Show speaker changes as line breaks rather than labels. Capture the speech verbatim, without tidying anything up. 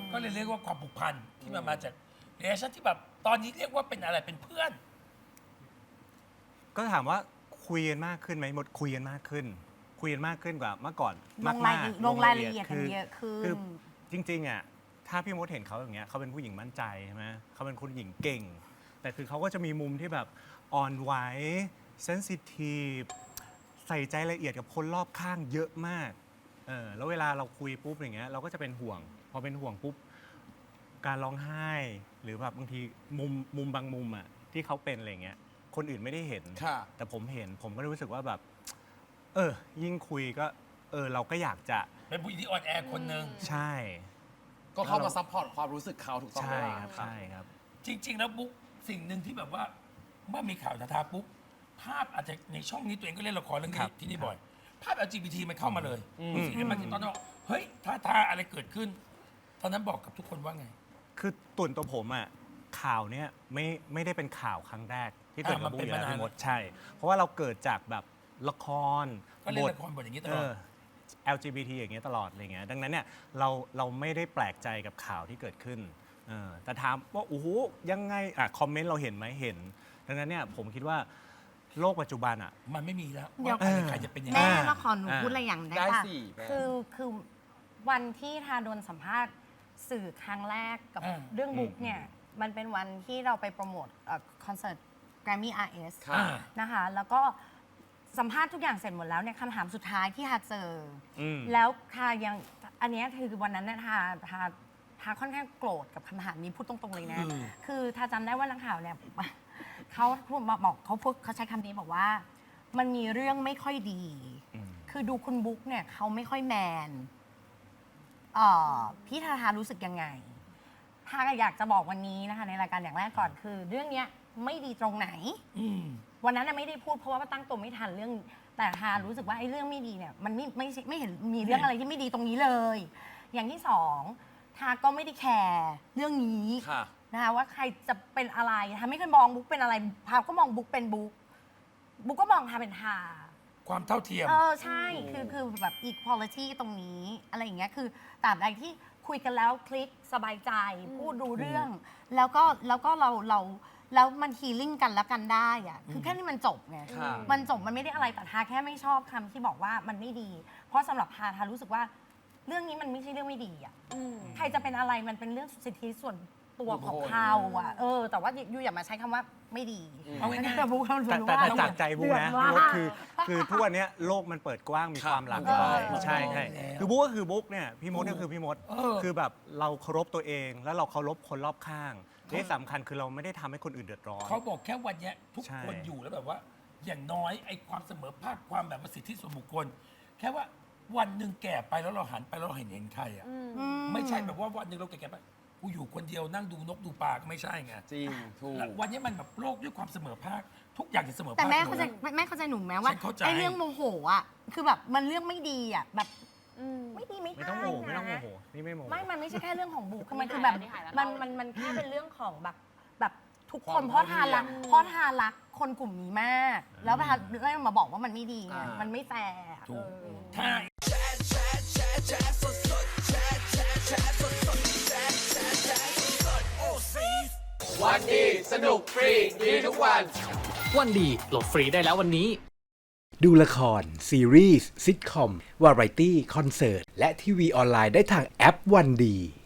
ก็เลยเรียกว่าความผูกพันที่มันมาจากเรชั่นที่แบบตอนนี้เรียกว่าเป็นอะไรเป็นเพื่อน
ก็ถามว่าคุยกันมากขึ้นไหมหมดคุยกันมากขึ้น คุยกันมากขึ้นกว่าเมื่อก่อน
ลงราย
มากๆ
ลงรายละเอียดกัน
คือ
เยอะขึ้น
คือจริงๆอ่ะถ้าพี่มดเห็นเขาอย่างเงี้ยเขาเป็นผู้หญิงมั่นใจใช่ไหมเขาเป็นผู้หญิงเก่ง แต่คือเขาก็จะมีมุมที่แบบอ่อนไหวเซนซิทีฟใส่ใจละเอียดกับคนรอบข้างเยอะมากเออแล้วเวลาเราคุยปุ๊บอย่างเงี้ยเราก็จะเป็นห่วง พอเป็นห่วงปุ๊บการร้องไห้ หรือแบบบางทีมุมมุมบางมุมอ่ะที่เขาเป็นอะไรเงี้ยคนอื่นไม่ได้เห็น แต่ผมเห็นผมก็รู้สึกว่าแบบ เออ ยิ่งคุยก็ เออ เราก็อยากจะ
เป็นผู้หญิงที่อ่อนแอคนหนึ่ง
ใช่
ก็เข้ามาซัพพอร์ตความรู้สึกเขาถูกต้องไหม
ใช่
ล่ะ
ครับใช่ครับ
จริง ๆ แล้วบุ๊กสิ่งหนึ่งที่แบบว่าเมื่อมีข่าวทาทาปุ๊บภาพอาจจะในช่องนี้ตัวเองก็เล่นละครเรื่อง
ครั
นี้
บ
ที่นี่บ่อย ภาพ แอล จี บี ที มันเข้ามาเลย
อืม
สิ่งที่มันตอนนั้นบอกเฮ้ยทาทาอะไรเกิดขึ้น ตอนนั้นบอกกับทุกคนว่าไง
คือตุ่นตัวผมอ่ะข่าวเนี้ยไม่ไม่ได้เป็นข่าวครั้งแรก ที่เกิด
อ่ามั
กับ
น
บุ๊
เป็
ก
น
อยู่แล้ว
มานาน
พี่มดใช่ เพราะว่าเราเกิดจากแบบละคร
ก็เล่นละครบทอย่างนี้ต
เอ
ลอด
อ แอล จี บี ที อย่างเงี้ยตลอดอะไรเงี้ยดังนั้นเนี่ยเราเราไม่ได้แปลกใจกับข่าวที่เกิดขึ้นเออแต่ถามว่าโอ้โหยังไงอ่ะคอมเมนต์เราเห็นไหมเห็น ดังนั้นเนี่ยผมคิดว่าโลกปัจจุบันอ่ะ
มันไม่มีแล้ว
เดี๋ยว
ว่าใครจะเป็นยังไง
แม่
อ่า
มาขอหนู
อ่า
พูดอะไรอย่างได้
ได้
ปะ
สิแม่
คือคือวันที่ทาโดนสัมภาษณ์สื่อครั้งแรกกับ
อ่า
เรื่องบุ๊กเนี่ยมันเป็นวันที่เราไปโปรโมทเอ่อคอนเสิร์ต Grammy อาร์ เอส
ค่ะ
อ่า
นะคะแล้วก็สัมภาษณ์ทุกอย่างเสร็จหมดแล้วเนี่ยคำถามสุดท้ายที่ทาเจออ
ม
แล้วทายังอันเนี้ยคือวันนั้นเนี่ยทาทาทาค่อนข้างโกรธกับคำถามนี้พูดตรงๆเลยนะ
อืม
คือทาจำได้ว่านักข่าวเนี่ย เขาพูดมาบอกเขาพูดเขาใช้คำนี้บอกว่า มันมีเรื่องไม่ค่อยดี
อืม
คือดูคุณบุ๊กเนี่ยเขาไม่ค่อยแมนเอ่อพี่ทาทารู้สึกยังไงทาอยากจะบอกวันนี้นะคะในรายการอย่างแรกก่อนคือ เรื่องเนี้ยไม่ดีตรงไหน
อืม
วันนั้นน่ะไม่ได้พูดเพราะว่าตั้งตัวไม่ทันเรื่อง แต่ทารู้สึกว่าไอ้เรื่องไม่ดีเนี่ยมันไม่ไม่ใช่ไม่เห็นมีเรื่องอะไรที่ไม่ดีตรงนี้เลย อย่างที่สองทาก็ไม่ได้แคร์เรื่องนี้
ค่ะ
นะคะว่าใครจะเป็นอะไรทาไม่เคยมองบุ๊กเป็นอะไรทาก็มองบุ๊กเป็นบุ๊กบุ๊กก็มองทาเป็นทา
ความเท่าเทียม
เออใช่คือคือแบบ equality ตรงนี้อะไรอย่างเงี้ยคือตราบใดที่คุยกันแล้วคลิกสบายใจ พูดดูเรื่อง แล้วก็แล้วก็เราเราแล้วมันฮีลิ่งกันแล้วกันได้อะคือแค่นี้มันจบไง
ค่ะ
มันจบมันไม่ได้อะไรแต่ทาแค่ไม่ชอบคำที่บอกว่ามันไม่ดี เพราะสำหรับทาทารู้สึกว่า เรื่องนี้มันไม่ใช่เรื่องไม่ดีอ่ะใครจะเป็นอะไรมันเป็นเรื่องสิทธิส่วนตัวของเขาอ่ะเออแต่ว่ายูอย่ามาใช้คำว่าไม่ดี
เอาง่ายๆ
แต่บุ๊คเรา
แต่
รู้
แต่
ว่า
แต่จากใจบุ๊กนะ
เดือด
บุ๊ก
มาก
คือคือทุกวันเนี้ยโลกมันเปิดกว้างมี
ครับ
ความหลากห
เอ
ลาย
อ
ใช่ใช่
แล้ว
คือบุ๊กก็คือบุ๊กเนี่ยพี่มดก็คือพี่มด
เออ
คือแบบเราเคารพตัวเองแล้วเราเคารพคนรอบข้างที่สำคัญคือเราไม่ได้ทำให้คนอื่นเดือดร้อน
เขาบอกแค่วันเนี้ยทุก
ใช่
คนอยู่แล้วแบบว่า อย่างน้อยไอ้ความเสมอภาคความแบบว่าสิทธิส่วนบุคคล แค่ว่าวันหนึ่งแก่ไปแล้วเราหันไปแล้วเราเห็นเห็นใครอ่ะ
อื
ไม่ใช่แบบว่าวันหนึ่งเราแก่ๆไปกูอยู่คนเดียวนั่งดูนกดูปลาก็ไม่ใช่ไง
จริง ถูก
แล้ววันนี้มันแบบโลกด้วยความเสมอภาคทุกอย่างจะเสมอภาค
แต่แม่เข้าใจ
หมดแล้ว
แม่เข้าใจหนูไหมว่า
ฉันเข้าใจ
ไอ้เรื่องโมโหอ่ะคือแบบมันเรื่องไม่ดีอ่ะแบบไม่ดีไม่
ไม่ต้องโมโหไม่ต้องโม
นะ
โหนี่ไม่โมโห
ไม่ มันไม่ใช่แค่เรื่องของบุคคือมัน
นี่
คือแบบ
หายแล้ว
มัน
นี่หายแล้ว
มันมันแค่เป็นเรื่องของแบบแบบทุก
ควา
ค
ม
นเพราะทานรัก
เท่าเทียม
เพราะทานรักคนกลุ่มนี้มาก แล้วทานแล้วมาบอกว่ามันไม่ดีไง
อ่ามั
มันไม่แฟร์อะ
ถูก
เออ
ถ้า
วันดีสนุกฟรี ดีทุกวัน
วันดีโหลดฟรีได้แล้ววันนี้
ดูละคร ซีรีส์ซิทคอม วาไรตี้ คอนเสิร์ต และทีวีออนไลน์ได้ทางแอปวันดี